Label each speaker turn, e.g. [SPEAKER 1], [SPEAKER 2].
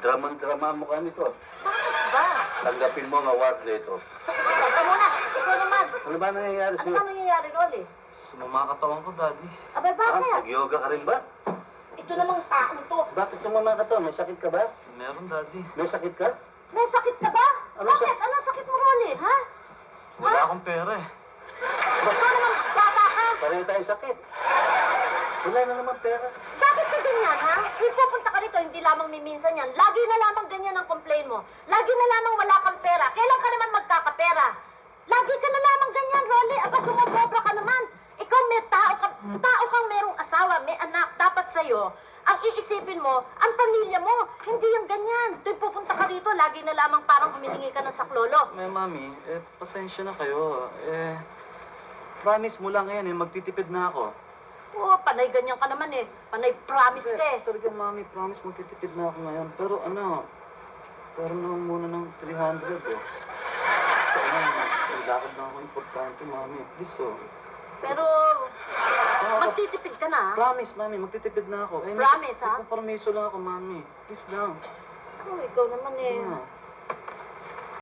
[SPEAKER 1] Draman-drama mo ka nito.
[SPEAKER 2] Bakit ba?
[SPEAKER 1] Tanggapin mo ang award na ito.
[SPEAKER 2] Teka muna, ikaw naman.
[SPEAKER 1] Ano ba nangyayari
[SPEAKER 2] Ano
[SPEAKER 1] sa'yo?
[SPEAKER 2] ba nangyayari, Rolly?
[SPEAKER 3] Sumama katawan ko, Daddy.
[SPEAKER 2] Abay, bakit?
[SPEAKER 1] Nag-yoga ka rin ba?
[SPEAKER 2] Ito namang taong to.
[SPEAKER 1] Bakit sumama ka to? May sakit ka ba?
[SPEAKER 3] Meron, Daddy.
[SPEAKER 1] May sakit ka?
[SPEAKER 2] May sakit ka ba?
[SPEAKER 1] Ano
[SPEAKER 2] Bakit? Anong sakit mo, Rolly? Ha?
[SPEAKER 3] Wala akong pera eh.
[SPEAKER 2] Ikaw naman, bata ka.
[SPEAKER 1] Pareho tayong sakit. Wala na naman pera.
[SPEAKER 2] Bakit ka ganyan, ha? Kung pupunta ka rito, hindi lamang miminsan yan. Lagi na lamang ganyan ang complain mo. Lagi na lamang wala kang pera. Kailan ka naman magkakapera? Lagi ka na lamang ganyan, Rolly. Aba, sumusobra ka naman. Ikaw may tao kang merong asawa, may anak. Dapat sa'yo, ang iisipin mo, ang pamilya mo. Hindi yung ganyan. Tuwing pupunta ka rito, lagi na lamang parang humihingi ka ng saklolo.
[SPEAKER 3] Mami, pasensya na kayo. Promise mo lang ngayon magtitipid na ako.
[SPEAKER 2] Oo, panay ganyan ka naman eh. Panay promise ka eh.
[SPEAKER 3] Talaga, Mami, promise magtitipid na ako ngayon. Pero pero naman muna ng 300 eh. Kasi may lakad na ako importante, Mami. Please,
[SPEAKER 2] Pero, magtitipid ka na, ha?
[SPEAKER 3] Promise, Mami, magtitipid na ako.
[SPEAKER 2] Promise, ha?
[SPEAKER 3] Nagpaparmiso lang ako, Mami. Please lang.
[SPEAKER 2] Oh, ikaw naman eh.
[SPEAKER 3] Ah.